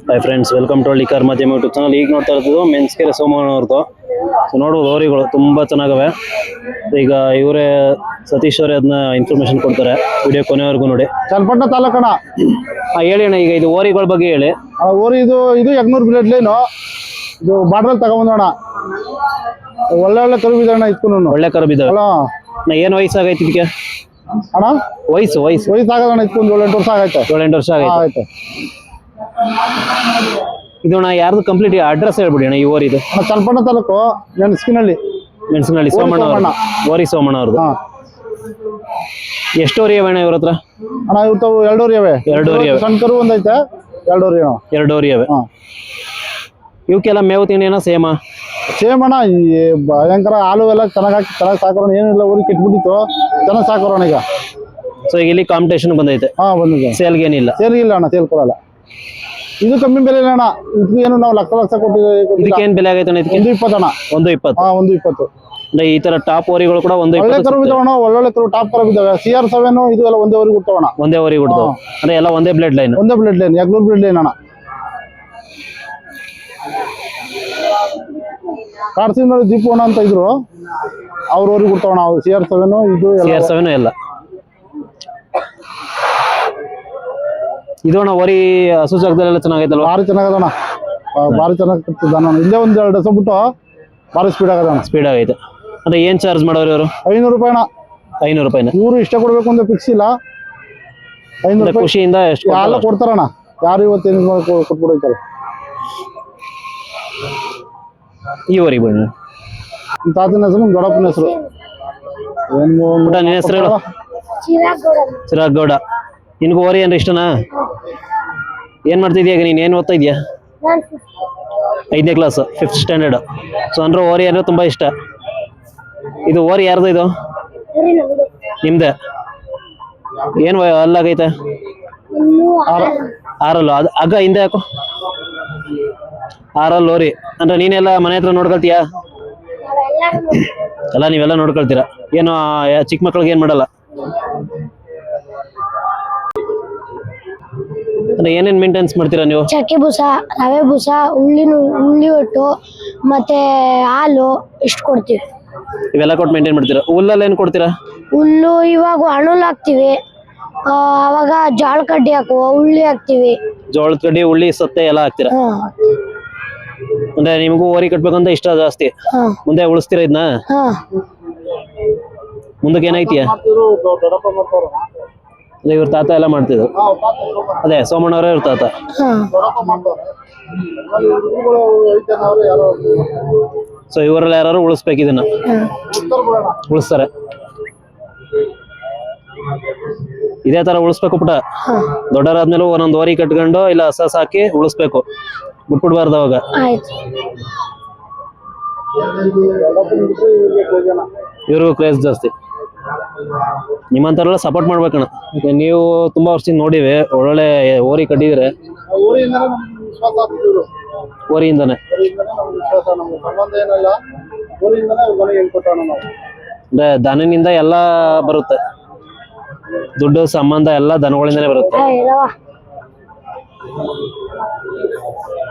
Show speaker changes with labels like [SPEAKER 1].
[SPEAKER 1] Hi friends, welcome to Halli car Madhyama YouTube channel. ಈಗ ನೋಡ್ತಾ ಇರೋದು ಮೆನ್ಸ್ಕೆರೆ ಸೋಮಣ್ಣ ಅವ್ರದ್ದು. ಸೊ ನೋಡ್ಬೋದು ಹೋರಿಗಳು ತುಂಬ ಚೆನ್ನಾಗವೆ. ಈಗ ಇವರೇ ಸತೀಶ್ ಅವರೇ ಅದನ್ನ ಇನ್ಫಾರ್ಮೇಶನ್ ಕೊಡ್ತಾರೆ. ವಿಡಿಯೋ ಕೊನೆವರೆಗೂ ನೋಡಿ.
[SPEAKER 2] ಚನ್ನಪಟ್ಟಣ ತಾಲೂಕಣ.
[SPEAKER 1] ಹೇಳಿ ಅಣ್ಣ, ಈಗ ಇದು ಹೋರಿಗಳ ಬಗ್ಗೆ ಹೇಳಿ.
[SPEAKER 2] ಓರಿ ಇದು ಯಗ್ನೂರ್ ಬ್ಲೇಡ್ ಲೈನು. ಇದು ಬಾರ್ಡ್ರಲ್ಲಿ ತಗೊಂಬಂದೋಣ. ಒಳ್ಳೆ ಕರು ಬಿದ್ದಣ್ಣ ಇಟ್ಕೊಂಡು.
[SPEAKER 1] ಒಳ್ಳೆ ಕರು ಬಿದ್ದಾವೆ. ಏನು ವಯಸ್ಸಾಗೈತಿ ಇದಕ್ಕೆ
[SPEAKER 2] ಅಣ್ಣ? ವಯಸ್ಸಾಗದಣ್ಣ ಇಟ್ಕೊಂಡು 7-8 ವರ್ಷ ಆಗೈತೆ.
[SPEAKER 1] 7-8 ವರ್ಷ ಆಗೈತೆ. ಇದು ಅಣ್ಣ ಯಾರ್ದು ಕಂಪ್ಲೀಟ್ ಅಡ್ರೆಸ್ ಹೇಳ್ಬಿಡಿ ಅಣ್ಣ. ಈ ಓರಿ ಇದು
[SPEAKER 2] ಚನ್ನಪಟ್ಟಣ ತಾಲೂಕು
[SPEAKER 1] ಮೆಣಸಿನಹಳ್ಳಿ ಸೋಮಣ್ಣ ಓರಿ ಸೋಮಣ್ಣ ಅವ್ರದ್ದು. ಎಷ್ಟು ಓರಿ ಅಣ್ಣ ಇವ್ರ ಹತ್ರ?
[SPEAKER 2] ಅಣ್ಣ ಇವತ್ತು 2 ಓರಿ ಅವೆ.
[SPEAKER 1] 2 ಓರಿ ಅವೆ.
[SPEAKER 2] ಸಣ್ಣ ಕರು ಒಂದೈತೆ. 2 ಓರಿ
[SPEAKER 1] 2 ಓರಿ ಅವೆ. ಇವಕ್ಕೆಲ್ಲ ಮೇವು ತಿಂಡಿ ಏನೋ ಸೇಮ್
[SPEAKER 2] ಅಣ್ಣ. ಈ ಭಯಂಕರ ಹಾಲು ಎಲ್ಲ ಚೆನ್ನಾಗಿ ಸಾಕೋಣ. ಏನಿಲ್ಲ ಊರಿಗೆ ಕಿಟ್ಬಿಟ್ಟಿತ್ತು, ಚೆನ್ನಾಗಿ ಸಾಕೋಣ ಈಗ.
[SPEAKER 1] ಸೊ ಈಗ ಇಲ್ಲಿ ಕಾಂಪಿಟೇಷನ್ ಬಂದೈತೆ.
[SPEAKER 2] ಬಂದಿದೆ.
[SPEAKER 1] ಸೇಲ್ಗೆ ಏನಿಲ್ಲ.
[SPEAKER 2] ಸೇಲ್ ಇಲ್ಲ ಅಣ್ಣ, ಸೇಲ್ ಕೊಡಲ್ಲ. ಇದು ಕಮ್ಮಿ ಬೆಲೆ ಇಲ್ಲ ಅಣ್ಣ. ಇದು ಏನು ನಾವು ಲಕ್ಷ ಕೊಟ್ಟಿದ್ದೀವಿ.
[SPEAKER 1] ಇದಕ್ಕೆ ಏನ್ ಬೆಲೆ ಆಗೈತೆ ಅಣ್ಣ?
[SPEAKER 2] 120 ಅಣ್ಣ.
[SPEAKER 1] 120.
[SPEAKER 2] 120.
[SPEAKER 1] ಅಂದ್ರೆ ಈ ತರ ಟಾಪ್ ಓರಿಗಳು ಕೂಡ 120.
[SPEAKER 2] ಒಳ್ಳೆ ಕರು ಬಿದ್ದಾವಣ್ಣ, ಒಳ್ಳೊಳ್ಳೆ ಕರು ಟಾಪ್ ಕರು ಬಿದ್ದಾವೆ. CR7 ಇದು ಎಲ್ಲ ಒಂದೇ ಊರಿಗೆ ಹುಟ್ಟವಣ್ಣ.
[SPEAKER 1] ಒಂದೇ ಊರಿಗೆ ಹುಟ್ಟವು ಅಂದ್ರೆ ಎಲ್ಲ ಒಂದೇ ಬ್ಲಡ್ ಲೈನ್.
[SPEAKER 2] ಯಗ್ನೂರ್ ಬ್ಲೇಡ್ ಲೈನ್ ಅಣ್ಣ. ಕಾರ್ಸಿನವರು ದೀಪೋಣ ಅಂತ ಇದ್ರು, ಅವ್ರ ಊರಿಗೆ ಹುಟ್ಟವಣ್ಣ. CR7 ಇದು
[SPEAKER 1] CR7 ಎಲ್ಲ. ಇದು ಅಣ್ಣ ಓರಿ ಹಸು ಜಾಗದಲ್ಲೆಲ್ಲ ಚೆನ್ನಾಗೈತಲ್ವ?
[SPEAKER 2] ಭಾರಿ ಚೆನ್ನಾಗದಣ್ಣ, ಭಾರಿ ಚೆನ್ನಾಗಿ ಕಟ್ಟಿದ್ದಾನ. ಇಲ್ಲೇ 1-2 ದಿವಸ ಬಿಟ್ಟು ಭಾರಿ ಸ್ಪೀಡ್ ಆಗದಣ್ಣ.
[SPEAKER 1] ಸ್ಪೀಡ್ ಆಗೈತೆ. ಅಂದ್ರೆ ಏನ್ ಚಾರ್ಜ್ ಮಾಡೋರು ಇವರು?
[SPEAKER 2] 500 ರೂಪಾಯಿ ಅಣ್ಣ.
[SPEAKER 1] 500 ರೂಪಾಯಿನ?
[SPEAKER 2] ಇವರು ಇಷ್ಟ ಕೊಡ್ಬೇಕು ಅಂತ ಫಿಕ್ಸ್ ಇಲ್ಲ. 500 ರೂಪಾಯಿ
[SPEAKER 1] ಖುಷಿಯಿಂದ ಎಷ್ಟು
[SPEAKER 2] ಎಲ್ಲ ಕೊಡ್ತಾರಣ್ಣ. ಯಾರು ಇವತ್ತೇನು ಕೊಟ್ಬಿಡ್ತಾರೆ.
[SPEAKER 1] ಈ ಓರಿ ಬನ್ನಿ.
[SPEAKER 2] ತಾತನ ಹೆಸರು ದೊಡ್ಡಪ್ಪನ ಹೆಸರು
[SPEAKER 1] ನಿನ್ನ ಹೆಸರು ಹೇಳು? ಚಿರಾಗ್ ಗೌಡ. ನಿನ್ಗೂ ಓರಿ ಅಂದ್ರೆ ಇಷ್ಟನಾ? ಏನ್ ಮಾಡ್ತಿದ್ಯಾ ಈಗ ನೀನ್? ಏನ್ ಓದ್ತಾ ಇದೀಯಾ? 5ನೇ ಕ್ಲಾಸ್, 5th ಸ್ಟ್ಯಾಂಡರ್ಡ್. ಸೊ ಅಂದ್ರೆ ಓರಿ ಅಂದ್ರೆ ತುಂಬಾ ಇಷ್ಟ. ಇದು ಓರಿ ಯಾರ್ದು? ಇದು ನಿಮ್ದೆ? ಏನ್ ಅಲ್ಲಾಗೈತೆ? 6 ಅದು ಅಗ್ಗ ಹಿಂದೆ ಯಾಕೋ? 6 ಓರಿ ಅಂದ್ರೆ ನೀನೆಲ್ಲ ಮನೆ ಹತ್ರ ನೋಡ್ಕೊಳ್ತೀಯಾ? ಎಲ್ಲ ನೀವೆಲ್ಲ ನೋಡ್ಕೊಳ್ತೀರಾ? ಏನು ಚಿಕ್ಕ ಮಕ್ಳಿಗೆ ಏನ್ ಮಾಡಲ್ಲ? ಅಂದ್ರೆ ಏನೇನ್ ಮೇಂಟೆನ್ಸ್ ಮಾಡ್ತೀರಾ ನೀವು?
[SPEAKER 3] ಚಕ್ಕೆ ಬೂಸ, ರವೆ ಬೂಸ, ಉಳ್ಳಿ ಒಟ್ಟು ಮತ್ತೆ ಹಾಲು ಇಷ್ಟು ಕೊಡ್ತೀವಿ.
[SPEAKER 1] ಇವೆಲ್ಲ ಕೊಟ್ಟು ಮೇಂಟೈನ್ ಮಾಡ್ತೀರಾ? ಹುಲ್ಲಲ್ಲಿ ಏನ್ ಕೊಡ್ತೀರಾ?
[SPEAKER 3] ಹುಲ್ಲು ಇವಾಗ ಹಣ್ಣುಲ್ ಹಾಕ್ತಿವಿ. ಅವಾಗ ಜೋಳ ಕಡ್ಡಿ ಹಾಕುವ, ಉಳ್ಳಿ ಹಾಕ್ತಿವಿ.
[SPEAKER 1] ಜೋಳದ ಕಡ್ಡಿ, ಉಳ್ಳಿ, ಸತ್ತೆ ಎಲ್ಲ ಹಾಕ್ತೀರಾ? ಅಂದ್ರೆ ನಿಮಗೂ ಓರಿ ಕಟ್ಬೇಕಂತ ಇಷ್ಟ ಜಾಸ್ತಿ. ಮುಂದೆ ಉಳಿಸ್ತೀರಾ ಇದನ್ನ? ಮುಂದಕ್ಕೆ ಏನೈತಿಯ? ಇವ್ರ ತಾತ ಎಲ್ಲ ಮಾಡ್ತಿದ್ರು. ಅದೇ ಸೋಮಣ್ಣವರೇ ಇವ್ರ ತಾತ. ಸೊ ಇವರೆಲ್ಲ ಯಾರು ಉಳಿಸ್ಬೇಕು ಇದನ್ನ? ಉಳಿಸ್ತಾರೆ. ಇದೇ ತರ ಉಳಿಸ್ಬೇಕು ಪುಟ. ದೊಡ್ಡರಾದ್ಮೇಲೆ ಒಂದೊಂದು ಓರಿ ಕಟ್ಕೊಂಡು ಇಲ್ಲ ಹಸ ಸಾಕಿ ಉಳಿಸ್ಬೇಕು, ಬಿಟ್ಬಿಡ್ಬಾರ್ದು. ಅವಾಗ ಇವ್ರಿಗೂ ಕ್ರೇಜ್ ಜಾಸ್ತಿ. ನಿಮ್ಮಂತಾರೆಲ್ಲ ಸಪೋರ್ಟ್ ಮಾಡ್ಬೇಕಣ್ಣ. ನೀವು ತುಂಬಾ ವರ್ಷದಿಂದ ನೋಡಿವಿ, ಒಳ್ಳೊಳ್ಳೆ ಓರಿ ಕಟ್ಟಿದ್ರೆ. ಓರಿಯಿಂದಾನೆ ಅಂದ್ರೆ ದನನಿಂದ ಎಲ್ಲ ಬರುತ್ತೆ. ದುಡ್ಡು ಸಂಬಂಧ ಎಲ್ಲ ದನಗಳಿಂದನೇ ಬರುತ್ತೆ.